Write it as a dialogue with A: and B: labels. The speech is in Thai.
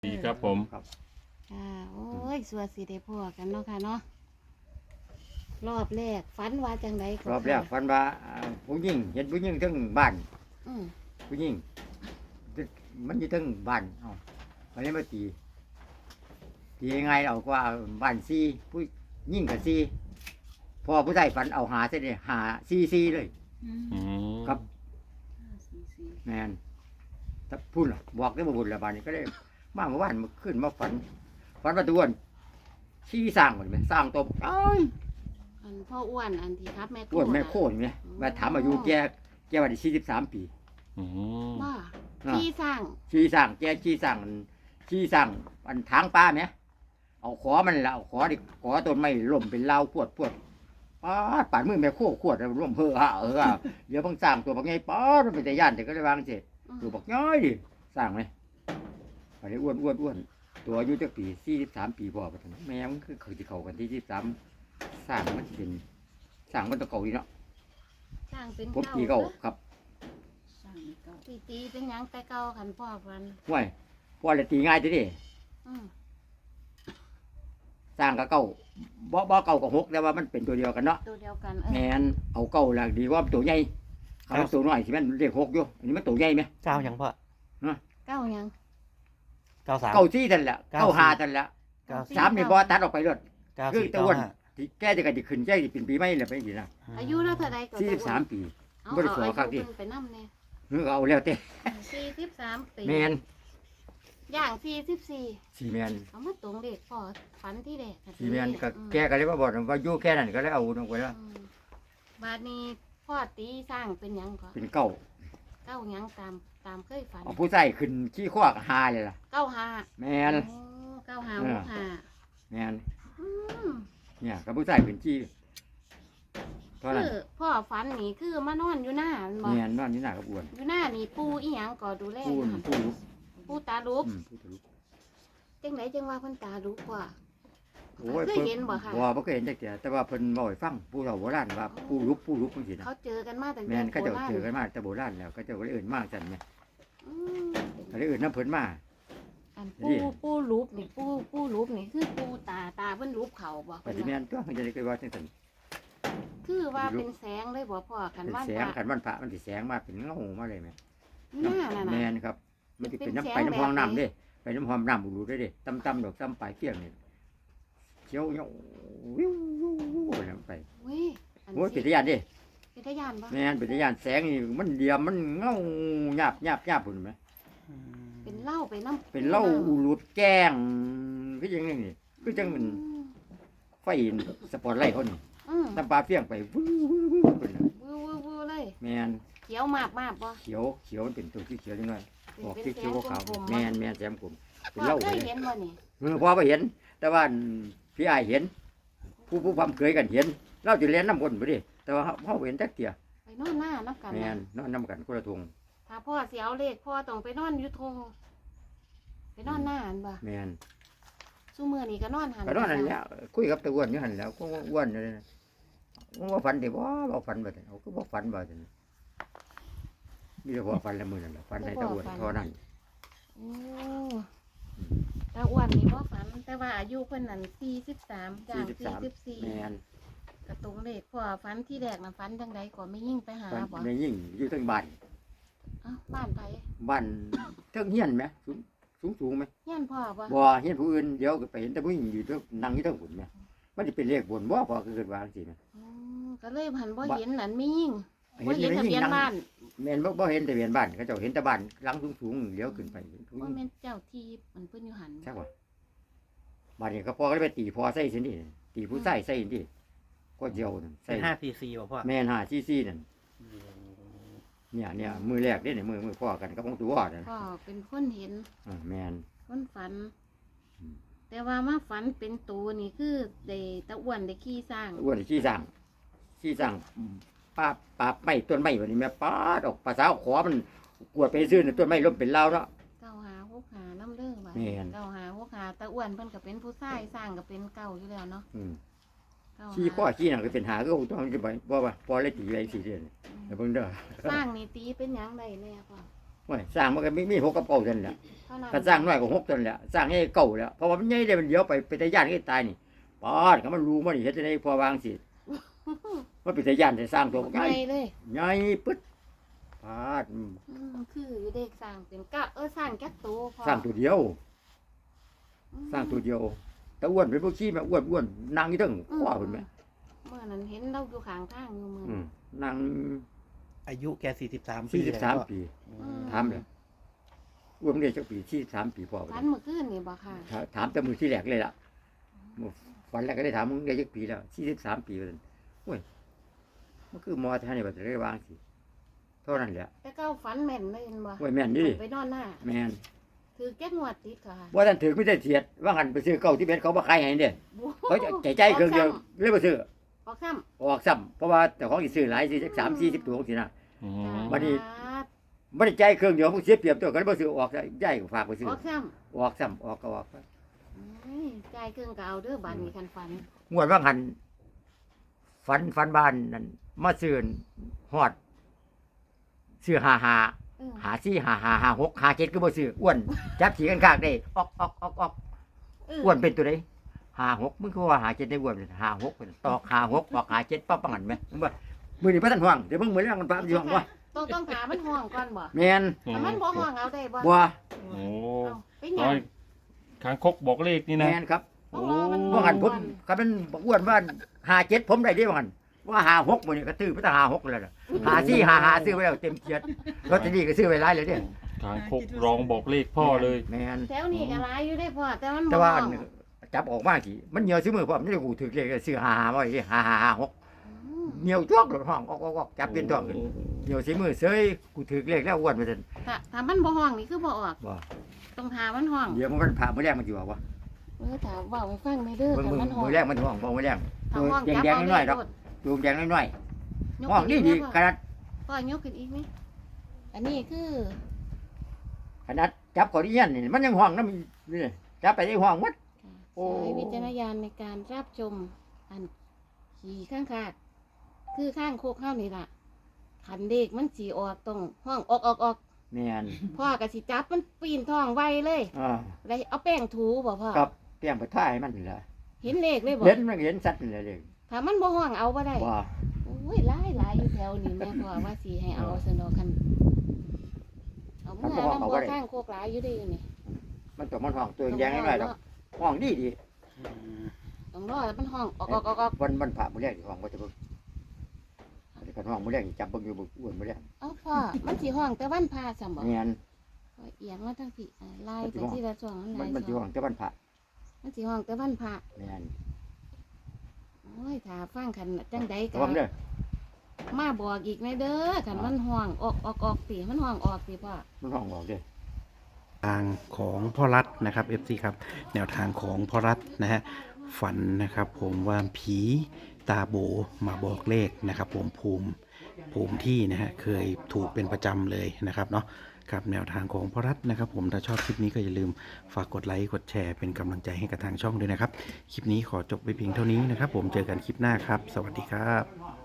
A: ดีครับผม
B: ครับ
C: โอ้ยสัวสิได้พ่อกันเนาะค่ะเนาะรอบแรกฝันว่าจังไดก็
B: รอบแรกฝันว่าผู้หญิงเห็นผู้หญิงทั้งบ้าน
C: อืม
B: ผู้หญิงมันอยู่ทั้งบ้านมันเลยมาตียังไงเอาว่าบ้านซีผู้หญิงกับซีพอผู้ใดฝันเอาหาเส้นเลยหาซีเลย
A: อืม
B: ครับแมนถ้าพูดหรอบอกได้บ่บุญละบานนี้ก็ได้มาเมื่อวานมาขึ้นมาฝันมาตัวนชี้สร้างหมดไหมสร้างตัวเอ้ย
C: อันพ่ออ้วนอันที่ครับแม่
B: อ้วนแม่โค่นเนี่ยมาถามอายุแกวันที่43 ปี
A: อืม
C: ว่าที่สร้าง
B: ชี้สร้างแกชี้สร้างอันทางป้าไหมเอาขอมันละเอาขอดิขอต้นไม้ล่มเป็นเล้าพวดป่านมือแม่โค่ขวดร่วมเดี๋ยวเพิ่งสร้างตัวบักไงป้ามันเป็นแต่ย่านแต่ก็ได้วางเสร็จตัวบักน้อยดิสร้างไหมไปอ้วนตัวอายุจักปี43 ปีพอปะท่านแม่มันคือเขาที่เขากันที่43สร้างมันเป็นสร้างมันตะเก่าดีเนาะ
C: สร้างเป็น
B: ผมตีเก่าครับ
C: ตีเป็นหยังแต่เก่าขันพ่อฟัน
B: ห่วยพ่อเลยตีง่ายทีเดี
C: อืม
B: สร้างกับเก่าบ่เก่ากับ6แต่ว่ามันเป็นตัวเดียวกันเนาะ
C: ตัวเดียวกัน
B: แม่นเอาเก่าละดีกว่าตัวใหญ่เอาตัวน้อยสิแม่นเลข6อยู่อันนี้มันตัวใหญ่ไหม
D: เก้ายังพ่อ
C: เก้าหยัง
D: 93
B: เก่าซี่นั่นแหละเก่าหานั่นแหละ 3นี่บ่ตัดออกไปเลย คือ
D: 94
B: ตะวันที่แกจะกันจะขึ้นแกจะเป็นปีใหม่แล้วไปสินะ
C: อายุเราเท่าใดก็
B: 43 ปี
C: เอา
B: บ่ได้สอ
C: อา
B: คักดิ
C: ยุเพิ่นไปนำแน่
B: เออเอาแล้วแต่
C: 43ปี
B: แม่น
C: ย่าง44
B: สิแม่น
C: เอามาตรงเด็กพ่อฝันที่เด็ก
B: สิแม่นก็แกก็เลยมาบอกว่าอยู่แค่นั้นก็เลยเอาลงไปแล้ว
C: บาดนี้พ่อตีสร้างเป็นหยังก็
B: เป็นเก่า
C: เก้าหยังตามเคยฝัน
B: เอาผู้ใส่ขึ้นขี้ข้อหาเลยล่ะ
C: เก้าห้า
B: แม่น
C: โอ้เก้าห้าหกห้า
B: แม่น
C: อืม
B: เนี่ยกับผู้ใส่ขึ้นขี้เท่านั้น
C: คือพ่อฝันนี่คือมานอนอยู่หน้าอันบ่
B: แม่นนอนนี่หน้ากับอ้วน
C: อยู่หน้านี่ปูอีหยังก็ดูแล
B: ผู้
C: อยู่หั่น
B: ผู้ลุก
C: ปูตาลุก
B: ผู้ทะลุ
C: จังไหนจังว่าเพิ่นตาลุกกว่า
B: โอ้ย
C: เคยเห็นบ่คะ
B: บ่เคยเห็นจักเที่ยแต่ว่าเพิ่นบ่ให้ฟังผู้เฒ่าโบราณว่าผู้ลุกจังซี่นะ
C: เขาเจอกันมาตั้งแต่
B: แม่นเขาเจ้า
C: โบรณ
B: เจอกันมาแต่โบราณแล้วเขาเจ้าก็เลยเอิ้นมาจังแม่
C: อืม
B: เขาเลยเอิ้นน้ำเพิ่นมา
C: อัน
B: นี่
C: ปูลุกนี่ปูลุกนี่คือปูตาเพิ่นลุกเขาบ่
B: ปฏิแม่นตัวมันจะได้เคยว่าจังซั่น
C: คือว่าเป็นแสงเลยบ่พ่อกัน
B: เป็น
C: ว่า
B: แสงคันวันพระมันสิแสงมาเป็นเงามาเลยแม่
C: หน้านั่น
B: แม่
C: น่ะ
B: นครับ มันสิเป็น
C: เป็น
B: น้ำ
C: แสง
B: ไปน้ำห้อง
C: แบบไหน
B: น้ำเด้ไปน้ำห้องน้ำอุดรูได้เด้ต่ำๆดอกต่ำปลายเที่ยงนี่เขียวเงาวิวไปน้ำไป
C: เว้ยอัน
B: โอ้ยเป็น
C: สิ
B: ตาญาณเด้
C: เป็นทะยานบ่
B: แม่นเป็นตาญาณแสงนี่มันเดียมมันเงาหยาบพุ่นไหม
C: เป็นเหล้าไปน้ำ
B: เป็นเหล้าอุลุดแกล้งคือจังนี่คือจังมันไฟสปอตไลท์เขานี่
C: อืม
B: น้ำปลาเฟี้ยงไปวื้อพุ่นน่ะ
C: วูเลย
B: แม่น
C: เขียวมากบ่
B: เขียวมันเป็นตัวที่เขียวจังเลยออก
C: เป็น
B: ที่เขียวขาว
C: กลมๆ
B: แม่นแซมกลมเป็น
C: พ่อ
B: เหล้า
C: เค
B: ไป
C: ย
B: เลย
C: เห็นบ่นี่
B: พอไปเห็น แต่ว่าพี่อายเห็น ผู้ความเคยกันเห็น เราจะเรียนน้ำบนไปดิแต่ว่าเขาเห็นจักเตีย
C: ไปนอนหน้าน้ำกัน
B: แม่น
C: นะ
B: นอนน้ำกันคนละทง
C: ถ้าพ่อเสียเอาเลขพ่อต้องไปนอนอยู่ทงไปนอนหน้าอันบ่
B: แม่น
C: ซุมื้อนี้ก็นอนหัน
B: ก็นอนนั่นแหล้วคุยกับตะอ้วนอยู่หันแหล้วก็อ้วนเลยนะว่าฝันดิบ่ฝันบ่ทันเอาก็บ่ฝันบ่ทันมีแต่พอฝันละมื้อนั่นแหละฝันให้ตะอ้วนเท่านั้น
C: โอ้ตาอ้วนนี่บ่ฝันแต่ว่าอายุเพิ่นนั่น43จ้าง
B: แม่น
C: 44กระตรงเลขพ่อฝันที่แรกน่ะฝันจังไดก็ไม่ยิ่งไปหา
B: ฝัน
C: บ่
B: ในยิ่งอยู่ทั้งบ้าน
C: เอ้าบ้านไผ
B: บ้านเทิงเฮียนไหมสูงไหม
C: เฮียนพ่อบ่
B: บ่เฮียนผู้อื่นเดี๋ยวก็ไปเห็นแต่ผู้หญิงอยู่เทิงนั่งอยู่เทิงฝุ่นไหมมันจะเป็นเลขบนบ่พอคือเกิดว่าจังซี่นะ
C: อืมก็เลยหันบ่เห็นนั่นมียิ่ง
B: เห็
C: บ่
B: น
C: เห็น
B: แต่
C: ทะ
B: ผู้หญิ
C: เบี
B: ง
C: ยน
B: นั่ง
C: บ้าน
B: แม่นบ่เห็นแต่เบียนบ้านเขาเจ้าเห็นแต่บ้านหลังสูงๆเลี้ยวขึ้นไป
C: ว่าแม่นเจ้าที่มันเพิ่นอยู่หัน
B: ใช่ป่ะบ้านนี้ก็พ่อก็เลยไปตีพ่อใส่สินี่ตีผู้ใส่ใส่นี่ก็เดียวนั่นใส่
D: เป็น5 cc บ่พ่อ
B: แม่นหาซี่นั่นเนี่ยมือแรกเด้เนี่ยมือพ่อกันกับของตัวนั่น
C: พ่อเป็นคนเห็น
B: แม่น
C: คนฝัน
B: อืม
C: แต่ว่ามาฝันเป็นตัวนี่คือได้ตะอ้วนได้ขี้สร้าง
B: อ้วนขี้สั่งป้าไม่ต้นไม้วันนี้แม่ป้าดอกภาษาขอมันกวดไปซื้อต้นไม้ล้มเป็นเล่าเนาะ
C: เก้าหาหกหาน้ำเด้อบ่า
B: แม่น
C: เก้าหาหกหาตะอ้วนเพิ่นก็เป็นผู้ชายสร้างก็เป็นเก่าอยู่แล้วเนาะ
B: อืม
C: เก้า
B: ขี้ข้อ
C: หา
B: ขี้หนังก็เป็นหาก็ต้องจะไปบ่ว่าพอเลยตีไว้4 เดือนแล้วเบิ่งเด้อ
C: สร้างนี่ตีเป็นหยังได้แน่พ่อ
B: โอ้ยสร้างมันก็มี6กับเก้าเท่านั้นแหละ
C: เท่านั้น
B: ถ้าสร้างน้อยกว่า6เท่านั้นแหละสร้างให้เก่าแล้วเพราะว่ามันใหญ่ได้มันเดี๋ยวไปแต่ย่านให้ตายนี่ปอดก็มันรู้มันนี่เฮ็ดจังได๋พอวางสิมันเป็นแต่ย่านแต่สร้างตัวใหญ่
C: ใหญ่เลย
B: ใหญ่ปึ๊ดปาด
C: คือเด็กสร้างเป็นกะสร้างจักโตพอ
B: สร้างตัวเดียว สร้างตัวเดียวแต่อ้วนเป็นพวกขี้แม่อ้วนนั่งอยู่เทั้งคว้าเพิ่นแม่
C: เมื่อนั้นเห็นเราอยู่ข้างทางอยู่มื้อ
B: นั่ง
D: อายุแก43 ปีแล้ว
B: 43ปีถามเลยอ้วนเรียนจักปี43ปีพอ
C: ฝันเมื่อคืนนี่บ่ค่ะ
B: ถามแต่มือที่แรกเลยล่ะวันแรกก็ได้ถามมึงได้จักปีแล้ว43ปีว่าซั่นโอ้ยมันคือมอท่านนี่ว่าจะได้วางสิเท่านั้นแหละ
C: แต่เก้าฝันแม่นเลยเห็นบ่
B: โอ้ยแม่นนี่
C: ไปนอนหน้า
B: แม่น
C: ถือแก้งวดติดค่ะ
B: บ่ทันถือไม่ได้เสียดว่าหันไปซื้อเก่าที่เบ็ดเขาบ่ขายให้เด้เขาใจเครื่องเดียวเลยบ่ซื้อ
C: ออกซ้ำ
B: ออกซ้ำเพราะว่าแต่ของสิซื้อหลายสิ3 40ตัวสินะ
A: อืม
B: บัดนี้ บ่ได้ใจายเครื่องเดียวมันเสียเปรียบตัวก็เลยบ่ซื้อออกย้ายก็ฝากไปซื้อ
C: ออกซ้
B: ออกซ้ำออกก็ออกไป
C: ำจ่ายเครื่องก็เอาเด้อบัดนี้คันฝัน
B: งวดว่าหันฝันบ้านนั่นมาซื้อฮอดซื้อ55 หาซี่หา6 5 7ก็บ่ซื้ออ้วนจับสีกันคากได้ออกอ้วนเป็นตัวใด56มึงคือว่าหา7ได้อ้วน56เป็นตอก56ออกหา7ปั๊บปังหันแม่มึงว่ามื้อนี้บ่ทันห่วงเดี๋ยวมึงมื้อแรงมันปั๊บสิห่วงบ่
C: ต้องหามันห้องก่อนบ่
B: แม่น
C: ถ้ามันบ่ห้องเอาได้บ่
B: บ่
A: โอ้
C: เอาไปห
A: น้
C: ยั
A: อง ยคางคกบอกเลขนี่นะ
B: แม่นครับ
C: โอ้มัน
B: ว่าหันผมคันมันอ้วนว่า57ผมได้เด้ว่าหันว่า56มื้อนี้ก็ตื้อไปตั้ง56แล้วล่ะ54ซื้อไว้แล้วเต็มเกียรติลอตเตอรี่ก็ซื้อไว้หลายเลยเด้
A: คางคกร้องบอกเลขพ่อเลย
B: แม่น
C: แถวนี้ก็หลายอยู่ได้พ่อแต่มัน
B: แต่
C: บ่
B: ว่า
C: ห้อง
B: จับออกมาสิมันเหนียวซื้อมือพร้อมนี่กูถือเลขซื้อ55ไว้5556
C: อืม
B: เหนียวจ้วงหลดห้องออกจับเป็นท้องขึ้นเหนียวสีมือเสยกูถือเลขแล้วอ้วนไปจน
C: ถ้ามันบ่ห้องนี่คือบ่ออก
B: บ่
C: ต้องหามันห้อง
B: เดี๋ยวมันผ่ามื้อแรกมันสิว่าบ่
C: ถ้าเว้าให้ฟังได้เด้อ
B: มึง
C: ถ้ามันห้อง
B: มื้อแรกมันห้องบ่มื้อแรก
C: ถ้าห้อง
B: แด
C: จับ
B: ง
C: เอา
B: ๆน้อยๆดอก
C: โลด
B: ตูมแดงน้อย
C: ยก
B: ๆห้อง
C: ขึ้
B: นี่
C: น
B: ดี
C: อีก
B: ขนาด
C: พ่อยกขึ้นอีกไหมอันนี้คือ
B: จับเขาที่ยันนี่มันยังห้องนำนี่จับไปได้ห้องหมด โอ้
C: ใช้วิจารณญาณในการรับชมอันขี่ข้างคาดคือข้างโคกเฮานี่ล่ะขันเด็กมันสีออกตรงห้องออก
B: แม่น
C: พ่อก็สิจับมันปีนท้องไวเลย
B: อ่า
C: เลยเอาแป้งถูบ่พ่อ
B: กับเตรียมไปท่ายให้มันนี่ล่ะ
C: เห็นเลขเลยบ่
B: เห็นมันเห็นสัตว์นี่แหละเลข
C: ถ้ามันบ่ห้องเอาบ่ได้
B: ว่า
C: โอ้ยหลายอยู่แถวนี้แม่พ่อว่าสิให้เอาสนอคันเอาเมื่อนำบ่ข้างโคกหลายอยู่เด้อยู่นี่
B: มันต้องมันห้องตัวแดงน้อยๆดอกห้องดี
C: ต้องรอให้มันห้องออก
B: วันผ่ามื้อแรกที่ห้องก็จะเบิ่งแต่กันห้องมื้อแรกนี่จับเบิ่งอยู่บ่อ้วนมื้อแรก
C: เอาพ่อมันสิห้องแต่วันพาซ้ํบ่
B: แม่น
C: เอียงมาทางพี่ลายไปที่ละช่วงมันห
B: มั
C: ลาน ย
B: มันสิ
C: ช่ว
B: ห้อง งแต่วันผ่า
C: มันสิห้องแต่วันพระ
B: แม่น
C: โอ้ยถ้าฟังคันจังใดก็
B: ระวังเด้อ
C: มาบอกอีกในเด้อคันมันห้องออกสิมันห้องออกสิพ่อ
B: มันห้องออกเด้อ
D: ทางของพ่อรัฐนะครับ FC ครับแนวทางของพ่อรัฐนะฮะฝันนะครับผมว่าผีตาโบมาบอกเลขนะครับผมภูมิที่นะฮะเคยถูกเป็นประจำเลยนะครับเนาะครับแนวทางของพ่อรัฐนะครับผมถ้าชอบคลิปนี้ก็อย่าลืมฝากกดไลค์กดแชร์เป็นกำลังใจให้กับทางช่องด้วยนะครับคลิปนี้ขอจบไปเพียงเท่านี้นะครับผมเจอกันคลิปหน้าครับ สวัสดีครับ